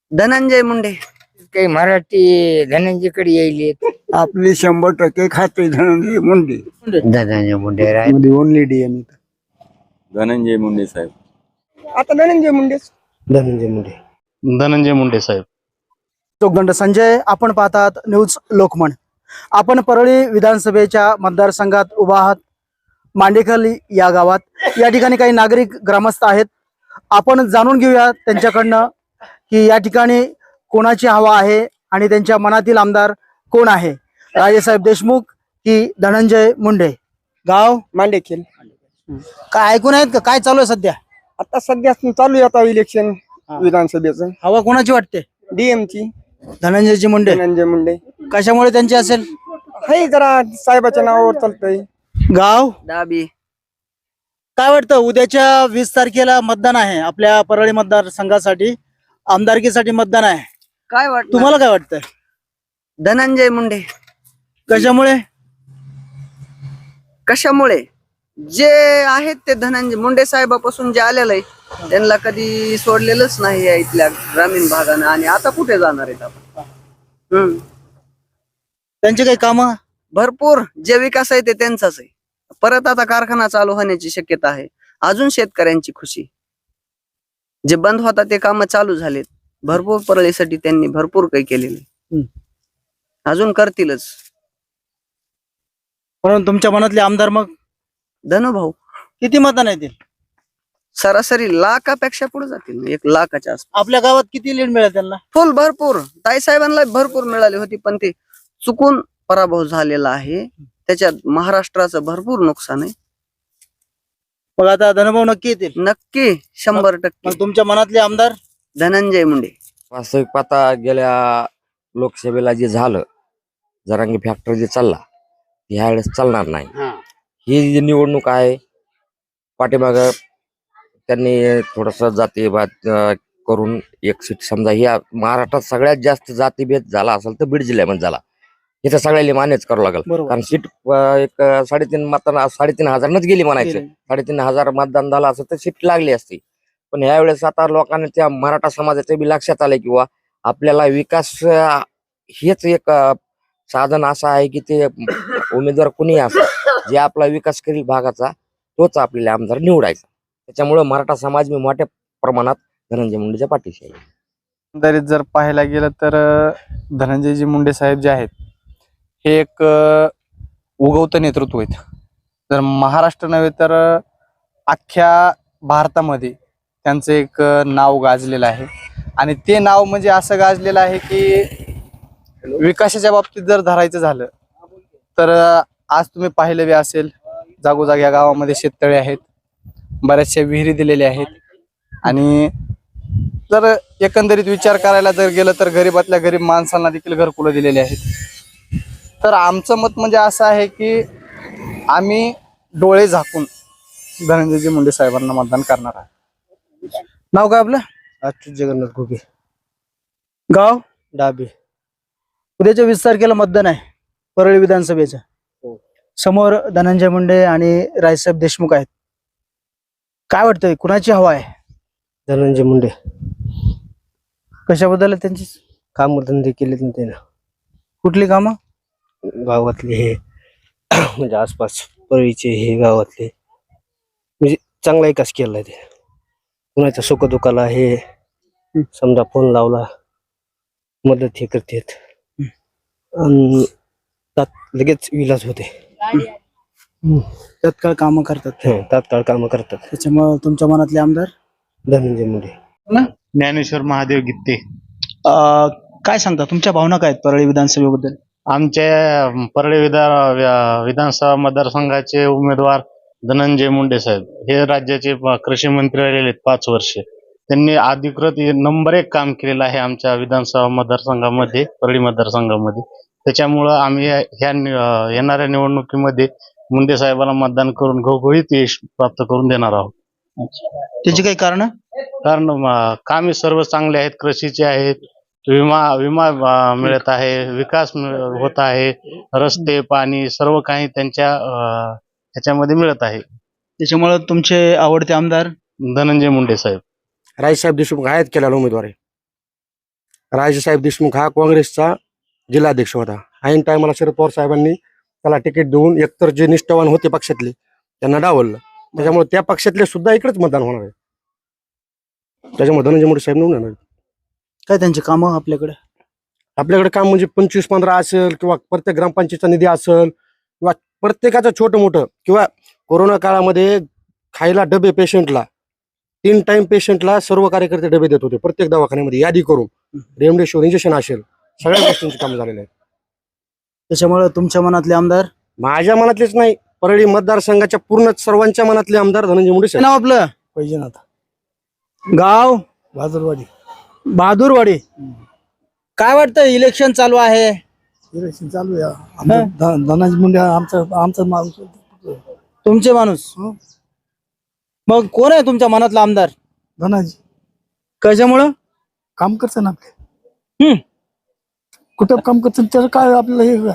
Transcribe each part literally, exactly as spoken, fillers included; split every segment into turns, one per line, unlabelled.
धनंजय मुंडे.
काही मराठी धनंजयकडे येईल.
आपली शंभर टक्के खाते धनंजय मुंडे.
धनंजय मुंडे राय.
Only DM.
धनंजय मुंडे साहेब.
आता धनंजय मुंडेच.
धनंजय मुंडे.
धनंजय मुंडे साहेब.
चोखदंड संजय. आपण पाहतात न्यूज लोकमन. आपण परळी विधानसभेच्या मतदारसंघात उभा आहात. मांडेखली या गावात या ठिकाणी काही नागरिक ग्रामस्थ आहेत. आपण जाणून घेऊया त्यांच्याकडनं की या ठिकाणी कोणाची हवा आहे आणि त्यांच्या मनातील आमदार कोण आहे, राजेसाहेब देशमुख की धनंजय मुंडे. गाव
मांडेखेल.
काय ऐकून आहेत का, काय चालू आहे सध्या?
आता सध्या चालू आहे आता इलेक्शन विधानसभेचं.
हवा कोणाची वाटते?
डीएम ची.
धनंजयची मुंडे.
धनंजय मुंडे.
कशामुळे त्यांची असेल?
हे जरा साहेबाच्या नावावर चालतंय.
गाव
डाबी.
काय वाटतं, उद्याच्या वीस तारखेला मतदान आहे आपल्या परळी मतदारसंघासाठी, आमदारकीसाठी मतदान आहे.
काय वाटत
तुम्हाला काय वाटतं?
धनंजय मुंडे.
कशामुळे?
कशामुळे जे आहेत ते धनंजय मुंडे साहेबापासून जे आलेलं आहे त्यांना कधी सोडलेलंच नाही आहे इथल्या ग्रामीण भागानं, आणि आता कुठे जाणार आहेत आपण. हम्म
त्यांची काही कामं?
भरपूर. जे विकास आहे ते त्यांचाच आहे. परत आता कारखाना चालू होण्याची शक्यता आहे. अजून शेतकऱ्यांची खुशी. जे बंद होता ते काम चालू झालेत. भरपूर परळीसाठी त्यांनी भरपूर काही केलेले, अजून करतीलच.
म्हणून तुमच्या मनातले आमदार मग
धनुभाऊ.
किती मतदान येतील?
सरासरी लाखापेक्षा पुढे जातील, एक लाखाच्या आसपास.
आपल्या गावात किती लीड मिळेल त्यांना?
फुल भरपूर. ताईसाहेबांना भरपूर मिळाली होती, पण ते चुकून पराभव झालेला आहे. त्याच्यात महाराष्ट्राचं भरपूर नुकसान आहे.
मग आता धनभाऊ नक्की येतील?
नक्की शंभर टक्के.
मग तुमच्या मनातले आमदार?
धनंजय मुंडे.
वास्तविक पाहता गेल्या लोकसभेला जे झालं, जरांगी फॅक्टर जे चालला, ह्यावेळेस चालणार नाही. ही जी निवडणूक आहे, पाठीमाग त्यांनी थोडस जातीभेद करून एक सीट, समजा ह्या महाराष्ट्रात सगळ्यात जास्त जातीभेद झाला असेल तर बीड जिल्ह्यामध्ये झाला. इथं सगळ्याला मान्यच करावं लागेल, कारण सीट एक साडेतीन मतदान साडेतीन हजारनच गेली म्हणायचं. साडेतीन हजार मतदान झालं असं तर सीट लागली असती. पण यावेळेस आता लोकांना त्या मराठा समाजाच्या बी लक्षात आलंय किंवा आपल्याला विकास हेच एक साधन असं आहे की ते उमेदवार कुणी असो, जे आपला विकास करील भागाचा तोच आपल्याला आमदार निवडायचा. त्याच्यामुळे मराठा समाज मी मोठ्या प्रमाणात धनंजय मुंडेच्या पाठीशी आहे.
एकंदरीत जर पाहायला गेलं तर धनंजयजी मुंडे साहेब जे आहेत हे एक उगवतं नेतृत्व आहेत. जर महाराष्ट्र नव्हे तर अख्ख्या भारतामध्ये त्यांचं एक नाव गाजलेलं आहे. आणि ते नाव म्हणजे असं गाजलेलं आहे की विकासाच्या बाबतीत जर धरायचं झालं तर आज तुम्ही पाहिलं बी असेल, जागोजाग या गावामध्ये शेततळे आहेत, बऱ्याचशा विहिरी दिलेल्या आहेत. आणि जर एकंदरीत विचार करायला जर गेलं तर गरीबातल्या गरीब माणसांना देखील घरकुलं दिलेली आहेत. तर आमचं मत म्हणजे असं आहे की आम्ही डोळे झाकून धनंजयजी मुंडे साहेबांना मतदान करणार आहे.
नाव काय आपलं?
अच्युत जगन्नाथ घुगे.
गाव
डाबी.
उद्याच्या वीस तारखेला मतदान आहे परळी विधानसभेचं. समोर धनंजय मुंडे आणि राजेसाहेब देशमुख आहेत. काय वाटतंय, कुणाची हवा आहे?
धनंजय मुंडे.
कशाबद्दल आहे त्यांची?
काम धंदे केलेत ना त्यानं,
कुठली कामं?
गावातले हे म्हणजे आसपास परळीचे हे गावातले म्हणजे चांगला विकास केलाय. ते कुणाच्या सुखदुःखाला हे समजा फोन लावला मदत हे करतात आणि लगेच विलाज होते.
तत्काळ कामं करतात,
तात्काळ कामं करतात.
त्याच्यामुळे तुमच्या मनातले आमदार
धनंजय मुंडे.
ज्ञानेश्वर महादेव गित्ते.
अं, काय सांगता, तुमच्या भावना काय आहेत परळी विधानसभेबद्दल?
आमच्या परळी विधान विधानसभा मतदारसंघाचे उमेदवार धनंजय मुंडे साहेब हे राज्याचे कृषी मंत्री राहिलेले आहेत पाच वर्ष. त्यांनी अधिकृत नंबर एक काम केलेलं आहे आमच्या विधानसभा मतदारसंघामध्ये, परळी मतदारसंघामध्ये. त्याच्यामुळं आम्ही ह्या येणाऱ्या निवडणुकीमध्ये मुंडे साहेबांना मतदान करून घवघवीत यश प्राप्त करून देणार आहोत.
त्याची काही कारण?
कारण कामे सर्व चांगले आहेत, कृषीचे आहेत, विमा विमा मिळत आहे, विकास होत आहे, रस्ते पाणी सर्व काही त्यांच्या ह्याच्यामध्ये मिळत आहे.
त्याच्यामुळे तुमचे आवडते आमदार
धनंजय मुंडे साहेब.
राजेसाहेब देशमुख आहेत केलेला उमेदवार आहे.
राजेसाहेब देशमुख हा काँग्रेसचा जिल्हाध्यक्ष होता. ऐन टायमाला शरद पवार साहेबांनी त्याला तिकीट देऊन एकतर जे निष्ठावान होते पक्षातले त्यांना डावललं. त्याच्यामुळे त्या पक्षातले सुद्धा इकडेच मतदान होणार आहे. त्याच्यामुळे धनंजय मुंडे साहेब निवडून येणार.
काय त्यांची कामं आपल्याकडे?
आपल्याकडे काम म्हणजे पंचवीस पंधरा असेल किंवा प्रत्येक ग्रामपंचायतचा निधी असेल किंवा प्रत्येकाचं छोटं मोठं, किंवा कोरोना काळामध्ये खायला डबे पेशंटला तीन टाइम पेशंटला सर्व कार्यकर्ते डबे देत होते प्रत्येक दवाखान्यामध्ये यादी करून. रेमडेसिवीर इंजेक्शन असेल, सगळ्या गोष्टींची काम झालेले आहेत.
त्याच्यामुळे तुमच्या मनातले आमदार?
माझ्या मनातलेच नाही, परळी मतदारसंघाच्या पूर्ण सर्वांच्या मनातले आमदार धनंजय मुंडे
काय
साहेब.
नाव आपलं?
पैजनाथ
गाव?
बहादुरवाडी.
बहादूरवाडी. काय वाटतं, इलेक्शन चालू आहे,
इलेक्शन चालू आहे. आमचं ध- धनाजी मुंडे आमचा आमचा माणूस.
तुमचे माणूस? मग कोण आहे तुमच्या मनातला आमदार?
धनाजी
कशामुळं?
काम करतं ना आपले.
हम्म.
कुठं काम करतं त्याचं काय आपल्याला हे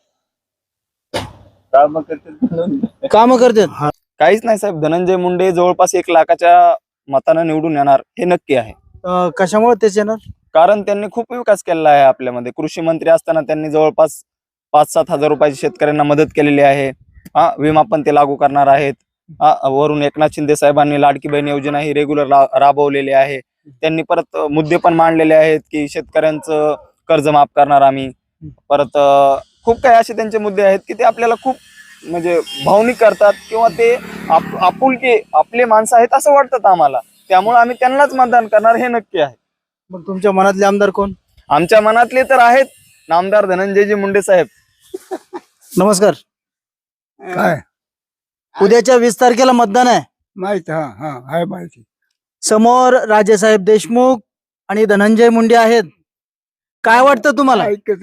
काम करतात?
काहीच नाही साहेब, धनंजय मुंडे जवळपास एक लाखाच्या मतानं निवडून येणार हे नक्की आहे.
अं, कशामुळे तेच येणार?
कारण त्यांनी खूप विकास केलेला आहे आपल्यामध्ये. कृषी मंत्री असताना त्यांनी जवळपास पाच सात हजार रुपयाची शेतकऱ्यांना मदत केलेली आहे. हा, विमा पण ते लागू करणार आहेत. हा, वरून एकनाथ शिंदे साहेबांनी लाडकी बहीण योजना ही रेग्युलर राबवलेली आहे. त्यांनी परत मुद्दे पण मांडलेले आहेत की शेतकऱ्यांचं कर्ज माफ करणार आम्ही. परत अं, खूप काही असे त्यांचे मुद्दे आहेत की ते आपल्याला खूप म्हणजे भावनिक करतात, किंवा ते आप आपुलके आपले माणसं आहेत असं वाटतात आम्हाला. त्यामुळे आम्ही त्यांनाच मतदान करणार हे नक्की आहे.
मग तुमच्या मनातले आमदार कोण?
आमच्या मनातले तर आहेत नामदार धनंजयजी मुंडे साहेब.
नमस्कार.
काय
उद्याच्या वीस तारखेला मतदान आहे.
माहिती. हा हा आहे माहिती.
समोर राजेसाहेब देशमुख आणि धनंजय मुंडे आहेत. काय वाटतं तुम्हाला?
ऐकत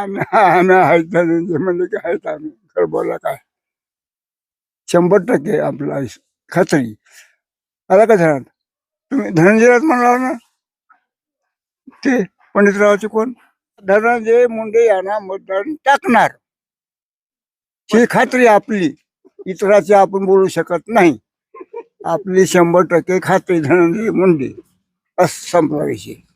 म्हणजे काय आम्ही खरं बोला काय शंभर टक्के आपला खात्री आला का धरण. तुम्ही धनंजयराज म्हणणार ना, ते पंडितरावचे कोण? धनंजय मुंडे यांना मतदान टाकणार ही खात्री आपली. इतराची आपण बोलू शकत नाही. आपली शंभर टक्के खात्री धनंजय मुंडे. असं संपला विषय.